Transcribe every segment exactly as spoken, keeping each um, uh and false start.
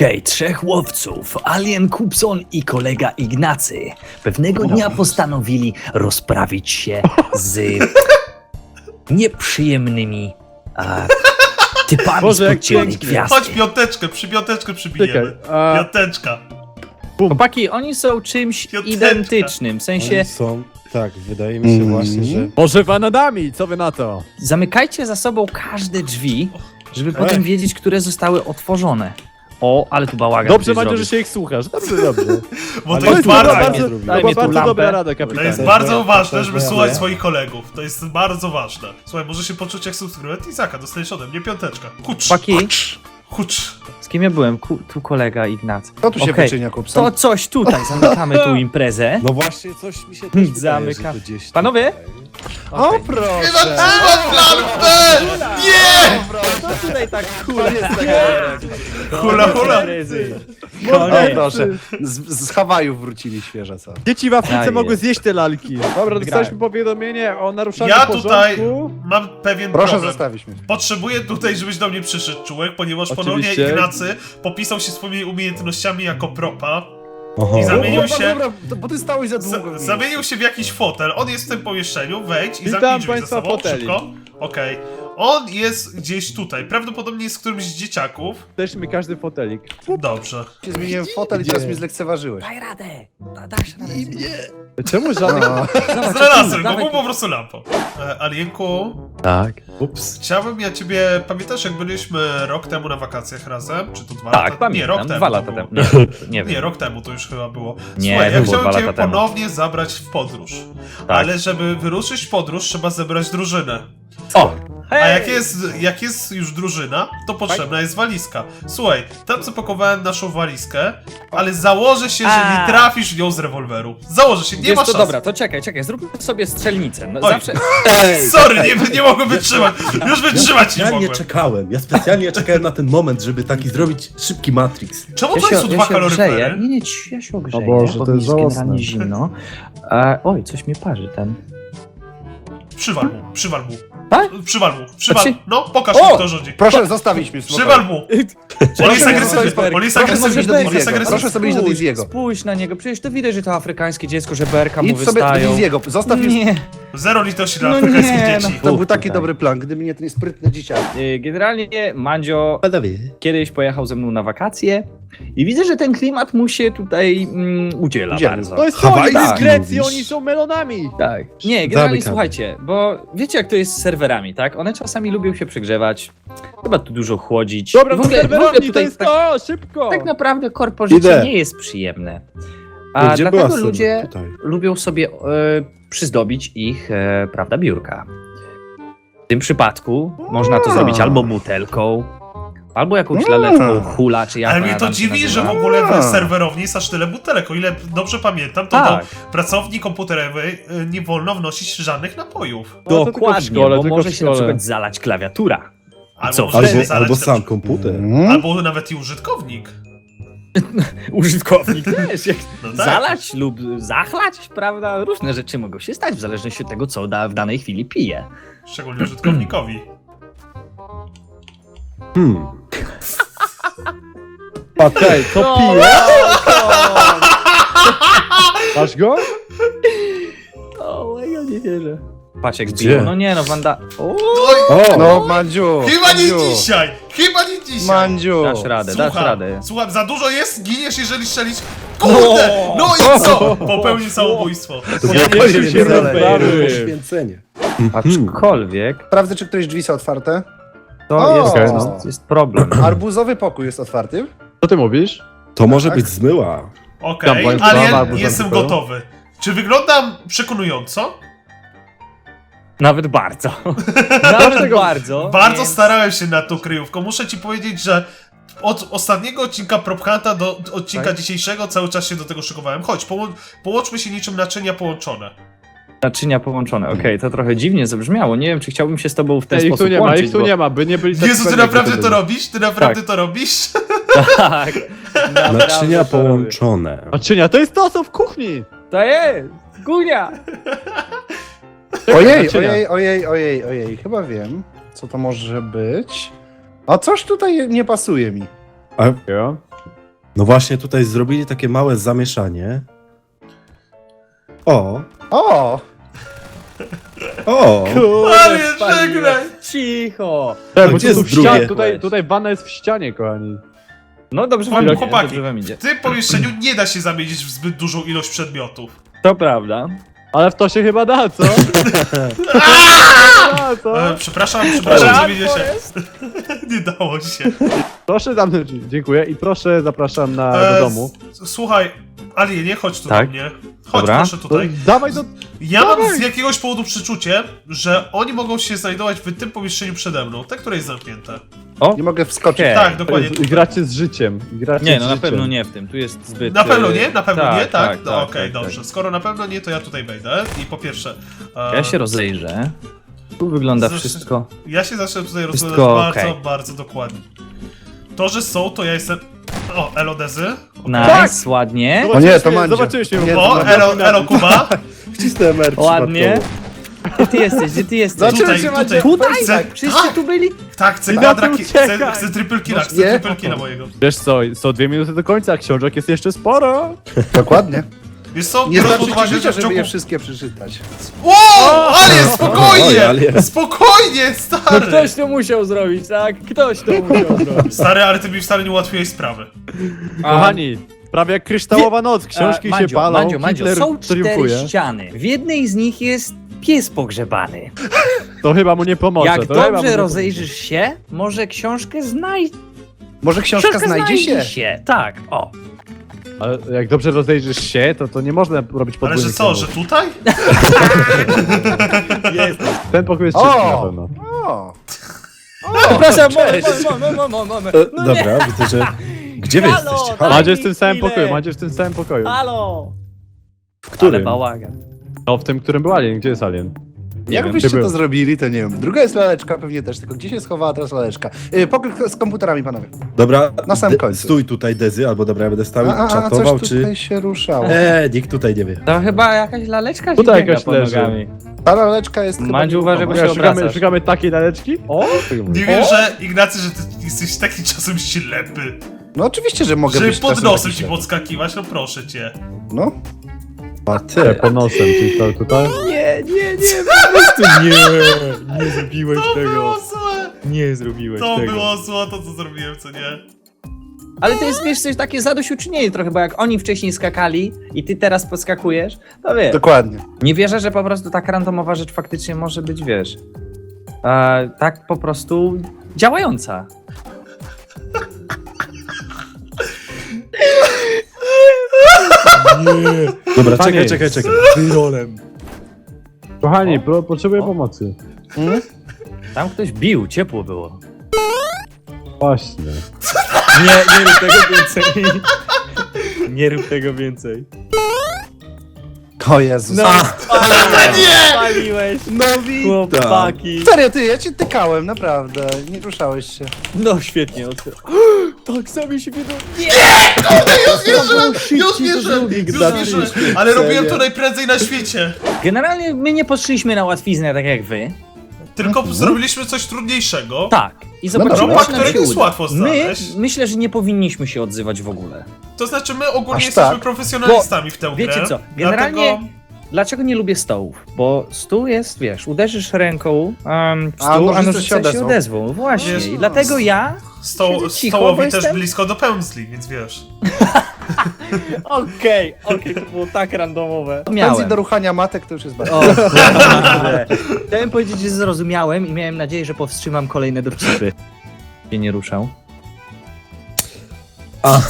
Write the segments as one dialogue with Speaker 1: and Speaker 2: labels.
Speaker 1: Okej, trzech łowców, Alien, Kupson i kolega Ignacy, pewnego dnia postanowili rozprawić się z nieprzyjemnymi a, typami
Speaker 2: Boże,
Speaker 1: z
Speaker 2: jak
Speaker 1: podziemnej
Speaker 2: pięknie.
Speaker 1: gwiazdy.
Speaker 3: Chodź piąteczkę, przy piąteczkę przybijemy.
Speaker 2: Czekaj, a-
Speaker 3: Piąteczka.
Speaker 1: Chłopaki, oni są czymś
Speaker 3: Piąteczka.
Speaker 1: identycznym, w sensie
Speaker 4: Oni są, tak, wydaje mi się właśnie, że...
Speaker 2: Może bananami, co wy na to?
Speaker 1: zamykajcie za sobą każde drzwi, żeby potem wiedzieć, które zostały otworzone. O, ale tu bałagan.
Speaker 2: Dobrze,
Speaker 1: ktoś
Speaker 2: Mandzio, że
Speaker 1: zrobił.
Speaker 2: się ich słuchasz. Dobrze, dobrze.
Speaker 3: Bo to
Speaker 2: To
Speaker 3: jest
Speaker 2: jest
Speaker 3: bardzo,
Speaker 2: bardzo,
Speaker 1: bardzo-
Speaker 2: bardzo, to
Speaker 1: daj
Speaker 2: była
Speaker 1: mi tu
Speaker 2: bardzo
Speaker 1: lampę.
Speaker 2: dobra rada,
Speaker 3: to
Speaker 2: kapitanie.
Speaker 3: jest bardzo
Speaker 4: to-
Speaker 3: ważne,
Speaker 4: to-
Speaker 3: żeby
Speaker 4: to-
Speaker 3: słuchać
Speaker 4: to-
Speaker 3: swoich kolegów. To jest bardzo ważne. Słuchaj, możesz się poczuć jak subskrybent Izaka, dostajesz ode mnie piąteczkę. Hucz,
Speaker 1: Chłopaki,
Speaker 3: hucz.
Speaker 1: z kim ja byłem? Ku, tu kolega Ignacy.
Speaker 5: Co tu się
Speaker 1: Okej,
Speaker 5: wyczynia, Kupson?
Speaker 1: To coś tutaj, zamykamy tu imprezę.
Speaker 4: No właśnie, coś mi się też wydaje,
Speaker 1: Zamykam.
Speaker 4: że to gdzieś
Speaker 1: Panowie?
Speaker 4: tutaj.
Speaker 5: O,
Speaker 1: Okej.
Speaker 5: proszę!
Speaker 3: Trzymam lampę! Nie!
Speaker 1: To tutaj tak hula.
Speaker 3: Hula, hula.
Speaker 5: O, proszę. Z, z Hawajów wrócili świeże, co?
Speaker 2: Dzieci w Afryce
Speaker 1: A,
Speaker 2: mogły
Speaker 1: jest.
Speaker 2: zjeść te lalki. Dobra, dostaliśmy powiadomienie o naruszaniu
Speaker 3: Ja
Speaker 2: porządku.
Speaker 3: tutaj mam pewien
Speaker 5: Proszę
Speaker 3: problem.
Speaker 5: zostawić mnie.
Speaker 3: Potrzebuję tutaj, żebyś do mnie przyszedł, Czułek, ponieważ ponownie
Speaker 2: Oczywiście.
Speaker 3: Ignacy popisał się swoimi umiejętnościami jako propa.
Speaker 4: Oho.
Speaker 3: I zamienił
Speaker 5: Dobra,
Speaker 3: się-
Speaker 5: dobra, to- bo ty stałeś za długo.
Speaker 3: Z zamienił się w jakiś fotel. On jest w tym pomieszczeniu, wejdź i
Speaker 2: Witam
Speaker 3: zamknij drzwi za
Speaker 2: państwa
Speaker 3: sobą,
Speaker 2: foteli.
Speaker 3: szybko. Okej. On jest gdzieś tutaj, prawdopodobnie jest którymś z dzieciaków.
Speaker 2: Też mi każdy fotelik.
Speaker 3: Dobrze.
Speaker 5: Się zmieniłem w fotel i teraz mnie zlekceważyłeś.
Speaker 1: Daj radę. Da, dasz radę.
Speaker 2: Czemu żadnych...
Speaker 5: No.
Speaker 3: Znalazłem go,
Speaker 1: dawaj.
Speaker 3: był po prostu lampą. E, Alienku,
Speaker 1: Tak.
Speaker 4: Ups.
Speaker 3: chciałbym ja ciebie... Pamiętasz jak byliśmy rok temu na wakacjach razem? Czy to dwa
Speaker 1: Tak,
Speaker 3: lata?
Speaker 1: pamiętam.
Speaker 3: Nie, rok temu
Speaker 1: Dwa
Speaker 3: to
Speaker 1: lata
Speaker 3: było.
Speaker 1: temu. Nie, nie
Speaker 3: Nie,
Speaker 1: wiem.
Speaker 3: rok temu to już chyba było.
Speaker 1: Nie,
Speaker 3: Słuchaj,
Speaker 1: to
Speaker 3: ja
Speaker 1: było
Speaker 3: chciałbym
Speaker 1: dwa
Speaker 3: cię
Speaker 1: lata temu.
Speaker 3: ponownie zabrać w podróż.
Speaker 1: Tak.
Speaker 3: Ale żeby wyruszyć w podróż, trzeba zebrać drużynę.
Speaker 1: O!
Speaker 3: A jak jest, jak jest już drużyna, to potrzebna jest walizka. Słuchaj, tam zapakowałem naszą walizkę, ale założę się, że
Speaker 1: A.
Speaker 3: nie trafisz w nią z rewolweru. Założę się, nie
Speaker 1: Wiesz
Speaker 3: ma
Speaker 1: co,
Speaker 3: szans.
Speaker 1: dobra, to czekaj, czekaj, zróbmy sobie strzelnicę. No,
Speaker 3: Oj.
Speaker 1: zawsze...
Speaker 3: Sorry, nie, nie mogłem wytrzymać. Już wytrzymać nie
Speaker 4: Specjalnie
Speaker 3: mogłem.
Speaker 4: czekałem, ja specjalnie czekałem na ten moment, żeby taki zrobić szybki Matrix.
Speaker 3: Czemu
Speaker 1: Ja
Speaker 3: to
Speaker 1: się,
Speaker 3: są dwa
Speaker 1: ja się ogrzeję.
Speaker 3: kaloryfery?
Speaker 1: Nie, nie, ci- ja się ogrzeję,
Speaker 2: O Boże,
Speaker 1: bo
Speaker 2: to
Speaker 1: mi
Speaker 2: jest
Speaker 1: jest
Speaker 2: żałosne.
Speaker 1: generalnie zimno. E, oj, coś mnie parzy ten.
Speaker 3: Przywal mu, przywal mu.
Speaker 1: Tak?
Speaker 3: Przywal mu, przywal.
Speaker 1: Znaczy-
Speaker 3: No, pokaż
Speaker 1: O!
Speaker 3: mi kto rządzi.
Speaker 5: Proszę zostawić mnie w spokoju.
Speaker 3: Przywal mu. On jest
Speaker 5: Proszę
Speaker 3: agresywny,
Speaker 5: zostawić-
Speaker 3: on jest
Speaker 5: proszę
Speaker 3: agresywny,
Speaker 5: sobie do
Speaker 3: on jest
Speaker 5: Diziego.
Speaker 3: agresywny.
Speaker 5: Proszę sobie iść do
Speaker 1: Spójrz,
Speaker 5: Diziego.
Speaker 1: Spójrz na niego, przecież to widać, że to afrykańskie dziecko, że berka mu
Speaker 5: Idź sobie do
Speaker 1: wystają.
Speaker 5: Diziego, zostaw mnie.
Speaker 1: Nie,
Speaker 3: Zero litości dla
Speaker 1: No
Speaker 3: afrykańskich
Speaker 1: nie,
Speaker 3: dzieci.
Speaker 5: To był
Speaker 1: Uch,
Speaker 5: taki
Speaker 1: tutaj.
Speaker 5: dobry plan, gdyby nie ten sprytny dzieciak.
Speaker 1: y, generalnie Mandzio
Speaker 4: Panowie.
Speaker 1: kiedyś pojechał ze mną na wakacje i widzę, że ten klimat mu się tutaj mm, udziela
Speaker 5: Udzielił.
Speaker 1: bardzo.
Speaker 2: To jest
Speaker 4: Hawajski
Speaker 2: oni z Grecji,
Speaker 4: mówisz?
Speaker 2: oni są melonami.
Speaker 1: Tak. Nie, generalnie
Speaker 4: Zamykamy.
Speaker 1: słuchajcie, bo wiecie jak to jest z serwerami, tak? One czasami lubią się przegrzewać, chyba tu dużo chłodzić.
Speaker 2: Dobra,
Speaker 1: I
Speaker 2: to
Speaker 1: w ogóle, w ogóle
Speaker 2: serwerowni, to
Speaker 1: tutaj
Speaker 2: jest
Speaker 1: tak,
Speaker 2: to, szybko.
Speaker 1: tak naprawdę korpo życie
Speaker 4: Idę.
Speaker 1: nie jest przyjemne. A
Speaker 4: Gdzie była
Speaker 1: dlatego
Speaker 4: Syna?
Speaker 1: ludzie
Speaker 4: Tutaj.
Speaker 1: lubią sobie e, przyzdobić ich, e, prawda, biurka. W tym przypadku można to zrobić albo butelką, albo jakąś laleczką hula, czy jak
Speaker 3: Ale
Speaker 1: ona
Speaker 3: mnie to
Speaker 1: tam się
Speaker 3: dziwi, że w
Speaker 1: nazywa.
Speaker 3: ogóle w
Speaker 5: A.
Speaker 3: serwerowni jest aż tyle butelek. O ile dobrze pamiętam, to
Speaker 1: Tak.
Speaker 3: do pracowni komputerowej y, nie wolno wnosić żadnych napojów.
Speaker 2: No, to tylko w
Speaker 1: Dokładnie,
Speaker 2: szkole,
Speaker 1: bo
Speaker 2: tylko
Speaker 1: może
Speaker 2: w
Speaker 1: się na
Speaker 2: szkole.
Speaker 1: przykład zalać klawiatura.
Speaker 3: Albo,
Speaker 1: Co,
Speaker 3: wtedy
Speaker 4: Albo,
Speaker 3: zalać
Speaker 4: albo
Speaker 3: na
Speaker 4: sam
Speaker 3: przykład-
Speaker 4: komputer.
Speaker 5: Hmm?
Speaker 3: Albo nawet i użytkownik.
Speaker 1: Użytkownik też. Jak
Speaker 3: No tak.
Speaker 1: zalać lub zachlać, prawda? Różne rzeczy mogą się stać w zależności od tego, co da, w danej chwili pije.
Speaker 3: Szczególnie użytkownikowi.
Speaker 4: Hmm.
Speaker 2: Okej, to
Speaker 1: No.
Speaker 2: pije. Masz go?
Speaker 1: O, ja nie wierzę. Patrz jak
Speaker 4: Gdzie?
Speaker 1: biją. No nie no, Wanda... O,
Speaker 3: Oj,
Speaker 4: O!
Speaker 5: No, Mandziu.
Speaker 3: chyba nie
Speaker 5: Mandziu,
Speaker 3: dzisiaj! Chyba nie dzisiaj!
Speaker 5: Mandziu.
Speaker 1: dasz radę, dasz
Speaker 3: Słucham,
Speaker 1: radę.
Speaker 3: słucham, za dużo jest, giniesz jeżeli strzelisz. Kurde! No i co? Popełnił samobójstwo.
Speaker 4: To
Speaker 2: Ja
Speaker 4: było
Speaker 2: nie
Speaker 4: kolejne
Speaker 2: wiem, się rozbawił.
Speaker 4: poświęcenie.
Speaker 1: Aczkolwiek
Speaker 5: Sprawdzę, czy któreś drzwi są otwarte.
Speaker 1: to
Speaker 5: O!
Speaker 1: jest,
Speaker 5: Okej,
Speaker 1: jest,
Speaker 5: no.
Speaker 1: jest problem.
Speaker 5: Arbuzowy pokój jest otwarty.
Speaker 2: Co ty mówisz?
Speaker 4: To może
Speaker 5: Tak.
Speaker 4: być zmyła.
Speaker 3: Okej,
Speaker 2: Tam państwa
Speaker 3: ale
Speaker 2: albo
Speaker 3: jestem
Speaker 2: zamknął.
Speaker 3: gotowy. Czy wyglądam przekonująco?
Speaker 1: Nawet bardzo. Nawet
Speaker 2: Dlaczego?
Speaker 1: bardzo.
Speaker 3: Bardzo
Speaker 1: więc-
Speaker 3: starałem się nad tą kryjówką. Muszę ci powiedzieć, że od ostatniego odcinka Prop Hunta do odcinka
Speaker 1: Tak?
Speaker 3: dzisiejszego cały czas się do tego szykowałem. Chodź, połą- połączmy się niczym naczynia połączone.
Speaker 1: Naczynia połączone, okej, to trochę dziwnie zabrzmiało. Nie wiem, czy chciałbym się z tobą w ten
Speaker 2: Ej, ich
Speaker 1: sposób
Speaker 2: tu nie ma,
Speaker 1: łączyć,
Speaker 2: ich tu
Speaker 1: bo...
Speaker 2: nie ma, by nie byli tak
Speaker 3: Jezu, ty
Speaker 2: pewni,
Speaker 3: naprawdę
Speaker 2: kto
Speaker 3: to
Speaker 2: był.
Speaker 3: robisz? Ty naprawdę
Speaker 1: Tak.
Speaker 3: to robisz?
Speaker 1: Tak. naprawdę
Speaker 4: Naczynia
Speaker 1: to robię.
Speaker 4: połączone.
Speaker 2: Naczynia, to jest to, co w kuchni.
Speaker 1: To jest! Gunia!
Speaker 5: Ojej,
Speaker 2: naczynia.
Speaker 5: ojej, ojej, ojej, ojej. Chyba wiem, co to może być. A coś tutaj nie pasuje mi.
Speaker 4: A
Speaker 2: Jo.
Speaker 4: No właśnie tutaj zrobili takie małe zamieszanie. O,
Speaker 5: O!
Speaker 4: o,
Speaker 3: Ale żegnaj!
Speaker 2: Cicho!
Speaker 4: A
Speaker 2: Tak, bo
Speaker 4: gdzie
Speaker 2: tu
Speaker 4: jest
Speaker 2: w ścianie,
Speaker 4: drugie?
Speaker 2: tutaj, tutaj wanna jest w ścianie, kochani.
Speaker 1: No dobrze wam
Speaker 3: Chłopaki,
Speaker 1: idzie,
Speaker 3: chłopaki,
Speaker 1: dobrze wam idzie.
Speaker 3: w tym pomieszczeniu nie da się zamienić w zbyt dużą ilość przedmiotów.
Speaker 1: To prawda.
Speaker 2: Ale w to się chyba da, co? da, co?
Speaker 3: E, przepraszam, przepraszam,
Speaker 1: Run,
Speaker 3: zamienię się.
Speaker 1: Forest.
Speaker 3: Nie dało się.
Speaker 2: Proszę zamknąć drzwi. Dziękuję i proszę zapraszam na,
Speaker 3: E,
Speaker 2: do domu.
Speaker 3: s- Słuchaj, Ali, nie chodź tu
Speaker 1: Tak?
Speaker 3: do mnie. Chodź
Speaker 1: Dobra.
Speaker 3: proszę
Speaker 2: To
Speaker 3: tutaj.
Speaker 2: dawaj do...
Speaker 3: Ja mam
Speaker 2: dawaj.
Speaker 3: z jakiegoś powodu przeczucie, że oni mogą się znajdować w tym pomieszczeniu przede mną, te, które jest zamknięte.
Speaker 5: Nie mogę wskoczyć.
Speaker 1: Okej.
Speaker 3: Tak, dokładnie.
Speaker 2: I
Speaker 3: tutaj.
Speaker 2: gracie z życiem. i Gracie
Speaker 1: Nie,
Speaker 2: z
Speaker 1: no na
Speaker 2: życiem.
Speaker 1: pewno nie w tym, tu jest zbyt...
Speaker 3: Na pewno
Speaker 1: e,
Speaker 3: nie? Na pewno nie, tak? No
Speaker 1: tak,
Speaker 3: okej,
Speaker 1: tak,
Speaker 3: dobrze.
Speaker 1: tak.
Speaker 3: Skoro na pewno nie, to ja tutaj wejdę. I po pierwsze... e,
Speaker 1: Ja się rozejrzę. Tu wygląda
Speaker 3: Zresztą-
Speaker 1: wszystko...
Speaker 3: Ja się zacznę tutaj rozglądać
Speaker 1: Wszystko
Speaker 3: bardzo,
Speaker 1: okej.
Speaker 3: bardzo dokładnie. To, że są, to ja jestem... O, Elodezy.
Speaker 1: Nice, ładnie.
Speaker 5: O nie, to Mandzio.
Speaker 2: Zobaczyłeś mnie.
Speaker 5: Nie,
Speaker 3: O,
Speaker 5: to
Speaker 3: Elo, Elo Kuba.
Speaker 4: wcisnąłem R
Speaker 1: Ładnie.
Speaker 4: przypadkowo.
Speaker 1: Gdzie ty jesteś, gdzie ty jesteś?
Speaker 5: Zobaczyłem
Speaker 3: Tutaj,
Speaker 5: cię,
Speaker 3: tutaj.
Speaker 5: Mandzio.
Speaker 1: Tutaj?
Speaker 3: Chcę,
Speaker 1: Wszyscy tu byli?
Speaker 3: tak, chcę
Speaker 2: I na
Speaker 3: kwadra,
Speaker 2: tym
Speaker 3: ki- chcę,
Speaker 2: uciekaj.
Speaker 3: chcę triple killa, chcę
Speaker 5: Nie.
Speaker 3: triple killa mojego.
Speaker 2: Wiesz co, są dwie minuty do końca, a książek jest jeszcze sporo.
Speaker 5: Dokładnie.
Speaker 3: Wiesz co,
Speaker 5: Nie
Speaker 3: biorąc
Speaker 5: starczy
Speaker 3: pod
Speaker 5: ci
Speaker 3: uwagę, że
Speaker 5: życia,
Speaker 3: w
Speaker 5: żeby
Speaker 3: ciągu...
Speaker 5: je wszystkie przeczytać.
Speaker 3: Wow, ale
Speaker 4: Oj,
Speaker 3: spokojnie!
Speaker 4: ale-
Speaker 3: Spokojnie,
Speaker 1: No
Speaker 3: stary!
Speaker 1: ktoś to musiał zrobić, tak? Ktoś to musiał zrobić.
Speaker 3: Stary, ale ty mi wcale nie ułatwiłeś sprawy.
Speaker 2: Kochani, prawie jak kryształowa noc, książki
Speaker 1: E,
Speaker 2: się
Speaker 1: Mandzio,
Speaker 2: palą,
Speaker 1: Mandzio, Mandzio,
Speaker 2: Hitler
Speaker 1: są cztery
Speaker 2: triumfuje.
Speaker 1: ściany. W jednej z nich jest pies pogrzebany.
Speaker 2: To chyba mu nie pomoże.
Speaker 1: Jak
Speaker 2: to chyba mu
Speaker 1: dobrze
Speaker 2: nie
Speaker 1: rozejrzysz się, może książkę znajdzie
Speaker 5: Może książka, znajdzie się?
Speaker 1: się. Tak, o.
Speaker 2: pomoże. Ale jak dobrze rozejrzysz się, to, to nie można robić
Speaker 3: Ale
Speaker 2: podwójnych
Speaker 3: że co, że
Speaker 2: celów.
Speaker 3: tutaj?
Speaker 2: Ten pokój jest
Speaker 5: O!
Speaker 2: czysty na pewno.
Speaker 5: O!
Speaker 1: Przepraszam, moment, moment, moment, moment, moment.
Speaker 4: E,
Speaker 1: No nie,
Speaker 4: Dobra, widzę, że... Gdzie wy
Speaker 1: Halo,
Speaker 4: jesteście?
Speaker 1: daj
Speaker 4: Halo?
Speaker 2: Mandzio jest w tym samym
Speaker 1: chwilę.
Speaker 2: pokoju, Mandzio jest w tym samym pokoju.
Speaker 1: halo.
Speaker 4: W którym?
Speaker 1: Ale bałagan.
Speaker 2: No w tym, którym był Alien. Gdzie jest Alien?
Speaker 5: Jak
Speaker 1: wiem,
Speaker 5: byście
Speaker 2: czy
Speaker 5: to
Speaker 2: był.
Speaker 5: zrobili, to nie wiem. Druga jest laleczka pewnie też, tylko gdzie się schowała teraz laleczka? Yy, pokój z komputerami, panowie.
Speaker 4: Dobra,
Speaker 5: Na samym
Speaker 4: de-
Speaker 5: końcu.
Speaker 4: stój tutaj, Dezy, albo dobra, ja będę stał i
Speaker 5: A, a, a
Speaker 4: czatował,
Speaker 5: coś
Speaker 4: czy...
Speaker 5: tutaj się ruszało.
Speaker 4: Eee, nikt tutaj nie wie.
Speaker 1: To chyba jakaś laleczka
Speaker 2: Tutaj
Speaker 1: się biega
Speaker 2: jakaś
Speaker 1: pod
Speaker 2: leży.
Speaker 1: nogami.
Speaker 5: Ta laleczka jest chyba
Speaker 1: Mandziu, uważaj, bo
Speaker 5: nieruchoma.
Speaker 1: się
Speaker 2: Szukamy,
Speaker 1: obracasz.
Speaker 2: szukamy takiej laleczki? O!
Speaker 3: Nie wiem, że Ignacy, że ty jesteś taki czasem ślepy.
Speaker 5: No oczywiście, że mogę
Speaker 3: Żeby
Speaker 5: być
Speaker 3: pod
Speaker 5: czasem
Speaker 3: nosem
Speaker 5: taki
Speaker 3: ci
Speaker 5: ślepy.
Speaker 3: podskakiwać, no proszę cię.
Speaker 5: No.
Speaker 4: A
Speaker 2: Te,
Speaker 4: ty,
Speaker 2: pod nosem, czyli to tutaj?
Speaker 1: Nie, nie, nie, po prostu nie. Nie zrobiłeś
Speaker 3: To było złe!
Speaker 1: Nie zrobiłeś
Speaker 3: To było złe, to co zrobiłem, co nie?
Speaker 1: Ale to jest, wiesz, coś takie zadośćuczynienie trochę, bo jak oni wcześniej skakali i ty teraz podskakujesz, to wiesz.
Speaker 5: Dokładnie.
Speaker 1: Nie wierzę, że po prostu tak randomowa rzecz faktycznie może być, wiesz, e, tak po prostu działająca.
Speaker 4: dobra,
Speaker 2: Panie,
Speaker 4: czekaj, czekaj, czekaj. Wyrolem.
Speaker 2: Kochani, pro, potrzebuję
Speaker 1: O.
Speaker 2: pomocy.
Speaker 1: Tam ktoś bił, ciepło było.
Speaker 2: Właśnie.
Speaker 1: Nie, nie rób tego więcej. Nie rób tego więcej.
Speaker 5: O Jezus.
Speaker 1: No,
Speaker 3: nie!
Speaker 1: spaliłeś,
Speaker 4: No witam.
Speaker 1: chłopaki.
Speaker 5: Serio, ty, ja cię tykałem, naprawdę. Nie ruszałeś się.
Speaker 1: No świetnie. otw- Tak sami się wiedzą. Nie!
Speaker 3: Już wierzyłem! Już wierzyłem! Już
Speaker 4: Ignacy,
Speaker 3: wierzyłem!
Speaker 4: świetnie.
Speaker 3: Ale robiłem to
Speaker 4: Serio.
Speaker 3: najprędzej na świecie.
Speaker 1: Generalnie my nie poszliśmy na łatwiznę tak jak wy.
Speaker 3: Tylko zrobiliśmy coś trudniejszego.
Speaker 1: Tak. I zobaczymy,
Speaker 5: dobra.
Speaker 3: Ropa,
Speaker 1: czy nam
Speaker 3: którego
Speaker 1: się
Speaker 3: jest
Speaker 1: uda.
Speaker 3: łatwo
Speaker 1: My,
Speaker 3: znaleźć.
Speaker 1: myślę, że nie powinniśmy się odzywać w ogóle.
Speaker 3: To znaczy my ogólnie
Speaker 5: Aż
Speaker 3: jesteśmy
Speaker 5: tak?
Speaker 3: profesjonalistami w tę
Speaker 1: Wiecie
Speaker 3: grę.
Speaker 1: co, generalnie
Speaker 3: Dlatego
Speaker 1: dlaczego nie lubię stołów? Bo stół jest, wiesz, uderzysz ręką um, w
Speaker 5: A
Speaker 1: stół, a
Speaker 5: nożyce
Speaker 1: nożyce
Speaker 5: się
Speaker 1: się
Speaker 5: odezwą.
Speaker 1: odezwą. Właśnie.
Speaker 3: Wiesz,
Speaker 1: I dlatego ja...
Speaker 3: sto
Speaker 1: siedzę cicho,
Speaker 3: stołowi
Speaker 1: bo
Speaker 3: też
Speaker 1: jestem-
Speaker 3: blisko do pędzli, więc wiesz.
Speaker 1: Okej, okej, to było tak randomowe.
Speaker 5: Pędzi
Speaker 1: Miałem.
Speaker 5: do ruchania matek to już jest bardzo.
Speaker 1: O, Boże. Chciałem powiedzieć, że zrozumiałem i miałem nadzieję, że powstrzymam kolejne dowcipy. Się nie ruszał.
Speaker 4: A.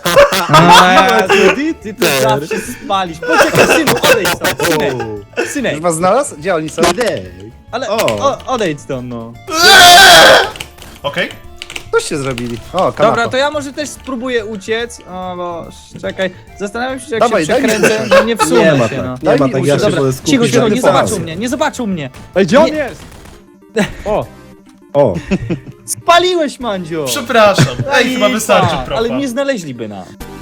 Speaker 1: Ty, ty to zawsze spalisz. Poczekaj, synu, odejdź stąd, synek. Synek,
Speaker 5: Już was znalazł? Gdzie oni są?
Speaker 1: ale
Speaker 4: O.
Speaker 1: o, odejdź stąd, no.
Speaker 3: Okej?
Speaker 5: Coście zrobili. O, kanapa.
Speaker 1: Dobra, to ja może też spróbuję uciec. O, bo czekaj. Zastanawiam się, jak
Speaker 5: Dawaj,
Speaker 1: się
Speaker 5: daj mi
Speaker 1: przekręcę,
Speaker 5: uciec.
Speaker 1: że nie wsunę
Speaker 4: Nie ma
Speaker 1: się,
Speaker 4: tak,
Speaker 1: no.
Speaker 4: nie
Speaker 5: Daj
Speaker 4: ma
Speaker 5: mi
Speaker 4: tak, ja
Speaker 5: usiąść.
Speaker 4: się
Speaker 1: Dobra,
Speaker 4: wolę skupić
Speaker 1: cicho,
Speaker 4: na
Speaker 1: cicho, nie
Speaker 4: informacji.
Speaker 1: zobaczył mnie, nie zobaczył mnie.
Speaker 2: Ej, gdzie on
Speaker 1: Nie.
Speaker 2: jest? O!
Speaker 4: O,
Speaker 1: Spaliłeś, Mandzio.
Speaker 3: Przepraszam. Ej, chyba
Speaker 1: Lipa,
Speaker 3: wystarczy propa.
Speaker 1: Ale nie znaleźliby nas.